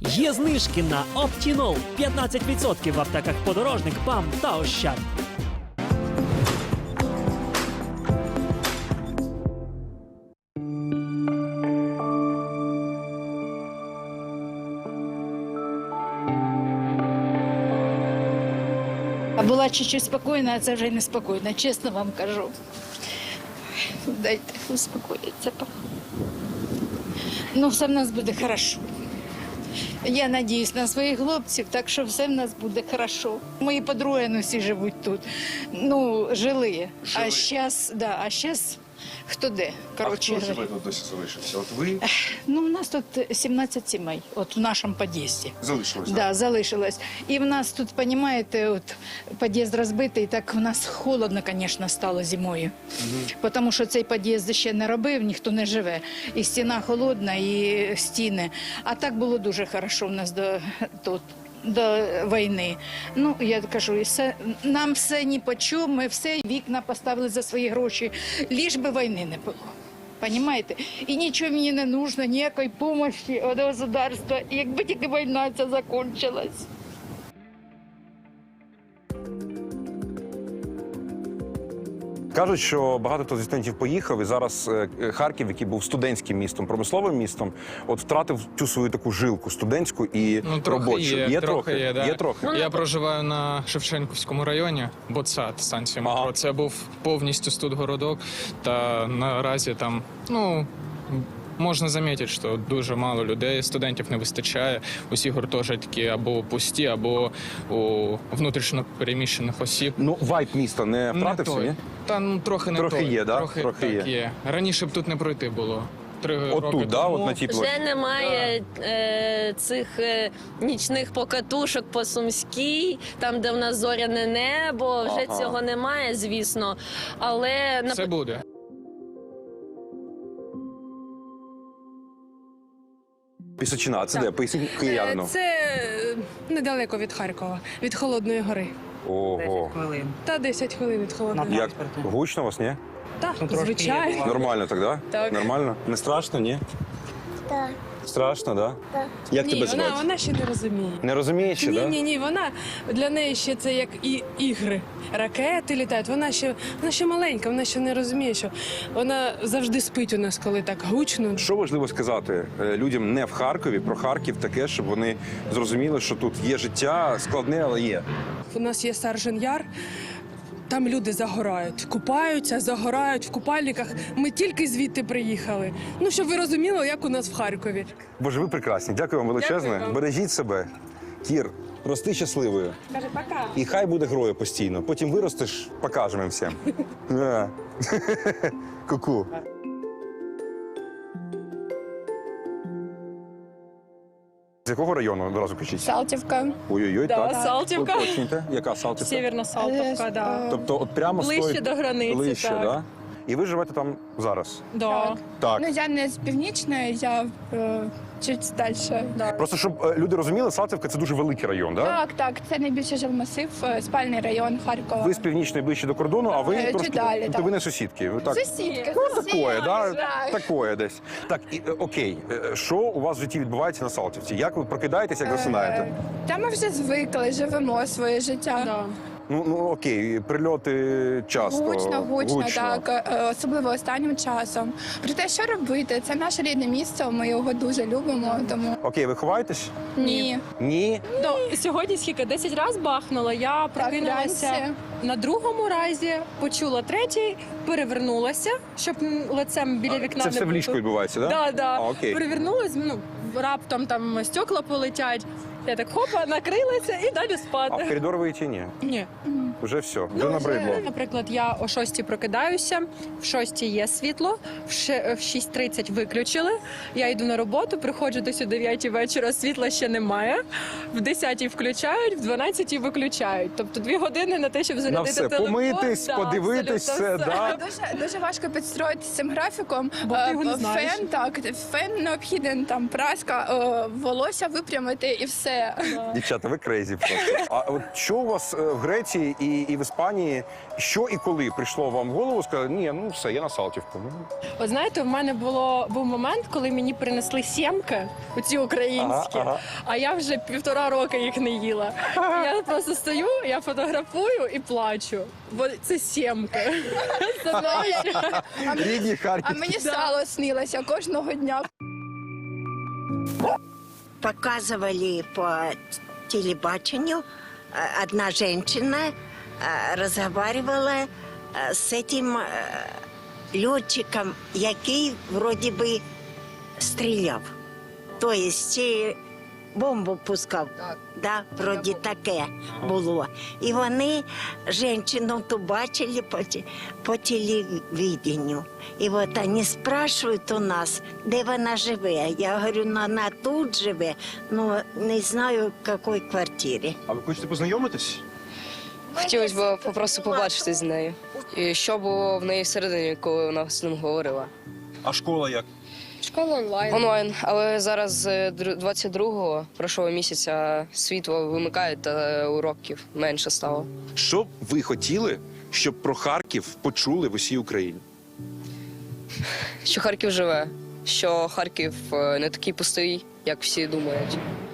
Є знижки на Оптінол 15% в аптеках «Подорожник», «ПАМ» та «Ощад». А була чуть-чуть спокійна, а це вже не спокійна, чесно вам кажу. Дайте успокоїться. Ну, все в нас буде хорошо. Я надіюсь на своїх хлопців, так що все в нас буде хорошо. Мої подруги ну, всі живуть тут. Ну, жили. А зараз хто де? Коротше, А хто живе тут досі залишився? От ви ну, у нас тут 17 сімей, от в нашому під'їзді. залишилися? Да, залишилось. І в нас тут, розумієте, от під'їзд розбитий, так в нас холодно, звісно, стало зимою. Тому що цей під'їзд ще не робив, ніхто не живе. І стіна холодна, і стіни. А так було дуже хорошо в нас до війни. Ну, я кажу, нам все ні по чому, ми все вікна поставили за свої гроші, ліж би війни не було. Понимаєте? І нічого мені не потрібно, ніякої допомоги від государства, якби тільки війна ця закінчилась. Кажуть, що багато хто зі студентів поїхав, і зараз Харків, який був студентським містом, промисловим містом, от втратив цю свою таку жилку студентську і робочу. Є трохи. Є трохи. Я проживаю на Шевченківському районі, Ботсад, станція метро. Ага. Це був повністю студгородок, та наразі там, ну, можна замітити, що дуже мало людей, студентів не вистачає. Усі гуртожитки або пусті, або у внутрішньо переміщених осіб. Ну, вайб міста не втратився, той. ні? Та ну трохи не Трохи той. є, да? Трохи Трохи так, є. Раніше б тут не пройти було. 3 роки Отут, да? тому. От на тій площі. Вже немає цих нічних покатушок по Сумській, там, де в нас зоряне небо, вже Ага. цього немає, звісно. Але Це буде. Пісочина, а це де? Поясніть киянину. Це недалеко від Харкова, від Холодної гори. Ого. Та 10 хвилин від Холодної гори. Як? Гучно у вас, ні? Так, звичайно. Нормально так, да? Так. Нормально? Не страшно, ні? Так. Страшно, да? Так. Як Ні, тебе звати? вона ще не розуміє. Не розумієш ще, да? Ні, вона для неї ще це як і ігри. Ракети літають. Вона ще маленька, вона ще не розуміє, що вона завжди спить у нас, коли так гучно. Що важливо сказати людям не в Харкові, про Харків таке, щоб вони зрозуміли, що тут є життя складне, але є. У нас є Саржен Яр. Там люди загорають, купаються, загорають в купальниках. Ми тільки звідти приїхали. Ну, щоб ви розуміли, як у нас в Харкові. Боже, ви прекрасні. Дякую вам величезне. Дякую вам. Бережіть себе. Кір, рости щасливою. Каже, пока. І хай буде грою постійно. Потім виростеш, покажемо всім. Да. Ку-ку. З якого району одразу кажіть? Салтівка. Ой-ой-ой, так. Салтівка. Уточнюйте. Яка Салтівка? Сєвєрна Салтівка, да. Тобто от прямо Ближче стоїть... до границі, Ближче, так. Да? І ви живете там зараз? Да. Так. Ну, я не з північної, я чуть далі. Да. Просто, щоб люди розуміли, Салтівка – це дуже великий район, так? Так, це найбільший жилмасив, спальний район Харкова. Ви з північної ближче до кордону, а ви Чуть трошки... далі, Тобто так. ви не сусідки. Ви так... Сусідка. Ну, такое, да? Так. Такое десь. Так, окей. Що у вас в житті відбувається на Салтівці? Як ви прокидаєтесь, як засинаєте? Та ми вже звикли, живемо своє життя. Да. Ну, окей, прильоти часто. Гучно, так, особливо останнім часом. Проте, що робити? Це наше рідне місце, ми його дуже любимо, тому Окей, ви ховаєтесь? ні. Ні? Сьогодні скільки? 10 разів бахнула. Я прокинулася вранці. на другому разі, почула третій, перевернулася, щоб лицем біля вікна Це не все в бути. ліжку відбувається, так? Да. А, окей. Перевернулась, раптом там стекла полетять. Я так хопа, накрилася і далі А спати. в коридор ви йти ні? Ні. Вже все, вже набридло. Наприклад, я о 6 прокидаюся, в 6 є світло, в 6:30 виключили. Я йду на роботу, приходжу десь о 9 вечора, світла ще немає. В 10 включають, в 12 виключають. Тобто 2 години на те, щоб На зарядити все, телефон. помитись, Да, подивитись, абсолютно все, да? Дуже важко підстроїтися цим графіком. Бо ти його не знаєш. Фен необхіден, там прас ласка, волосся випрямити і все. Дівчата, ви крейзі просто. А от що у вас в Греції і в Іспанії, що і коли прийшло вам в голову, сказали, ні, ну все, я на Салтівку. От знаєте, в мене був момент, коли мені принесли сімки, оці українські, а я вже 1,5 роки їх не їла. Я просто стою, я фотографую і плачу, бо це сімки. Рідні А Харків. мені сало снилося кожного дня. Показывали по телебачению, одна женщина разговаривала с этим летчиком, який вроде бы стріляв. То есть бомбу пускав. Да, вроді таке було. І вони жінку ту бачили по телевидению. І от вони спрашують у нас, де вона живе. Я говорю, ну, вона тут живе, ну не знаю, в якій квартирі. А ви хочете познайомитись? Хотілося б просто побачити з нею. І що було в неї всередині, коли вона з ним говорила. А школа як? Школа онлайн. Онлайн, але зараз 22-го, прошлого місяця, світло вимикають та уроків менше стало. Що б ви хотіли, щоб про Харків почули в усій Україні? Що Харків живе, що Харків не такий пустий, як всі думають.